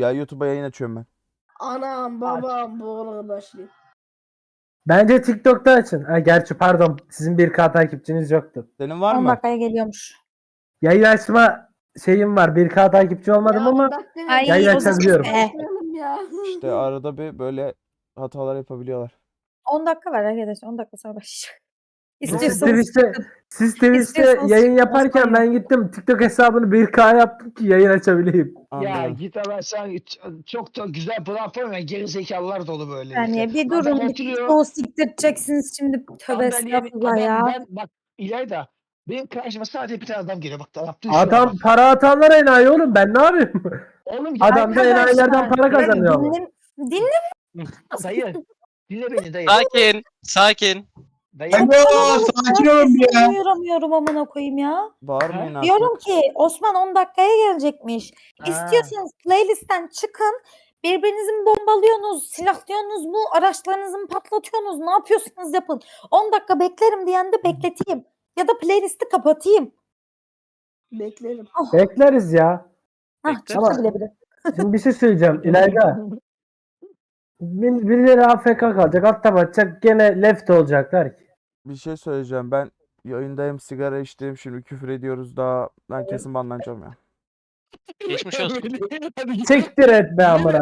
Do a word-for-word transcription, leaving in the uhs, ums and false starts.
ya. YouTube'a yayın açıyorum ben. Anam babam bu arada başlayayım. Bence TikTok'ta açın. Ha, gerçi pardon sizin bir K takipçiniz yoktu. Senin var on mı? dakikaya geliyormuş. Yayın açma şeyim var. bir K takipçi olmadım Ya, ama dakika Ay, yayın o zaman açabiliyorum. be. başlayalım ya. İşte arada bir böyle hatalar yapabiliyorlar. on dakika var arkadaşlar. on dakika sonra başlayacak. Siz İstiyorsanız Twitch'te, siz Twitch'te İstiyorsanız yayın çıkın, yaparken Osman ben gittim TikTok hesabını bir K yaptım ki yayın açabileyim. Ya Anladım. git ama sen çok da güzel platform ya gerizekalılar dolu böyle. yani işte. bir Adam durun. Bir oturuyor, o siktireceksiniz şimdi. Tövbe adam beni- estağfurullah adam- ya. Ben, bak İlayda benim karşıma sadece bir tane adam geliyor. Bak yaptığı şuna Adam bak. para atanlar enayi oğlum ben ne yapayım? Oğlum Adam da enayilerden para Ben kazanıyor. ama. dinle, dinle dayı. Dinle beni dayı. Sakin, sakin. Dayı. Alo, sakin olun bir ya. Duyuramıyorum amına koyayım ya. Bağırmayın artık. Diyorum ki Osman on dakikaya gelecekmiş. Ha. İstiyorsanız playlistten çıkın. Birbirinizi mi bombalıyorsunuz, silahlıyorsunuz mu, araçlarınızı mı patlatıyorsunuz, ne yapıyorsunuz yapın. on dakika beklerim diyen de bekleteyim. Ya da playlisti kapatayım. Beklerim. Bekleriz ya. Hah Bekle. çıktı bile bile. Şimdi bir şey söyleyeceğim İlayda. Bir- Birileri A F K kalacak, altta batacak, gene left olacaklar ki. Bir şey söyleyeceğim. Ben yayındayım, sigara içtim. Şimdi küfür ediyoruz daha. Ben kesin banlanacağım ya. Geçmiş olsun. Hadi git. Siktir et be amına.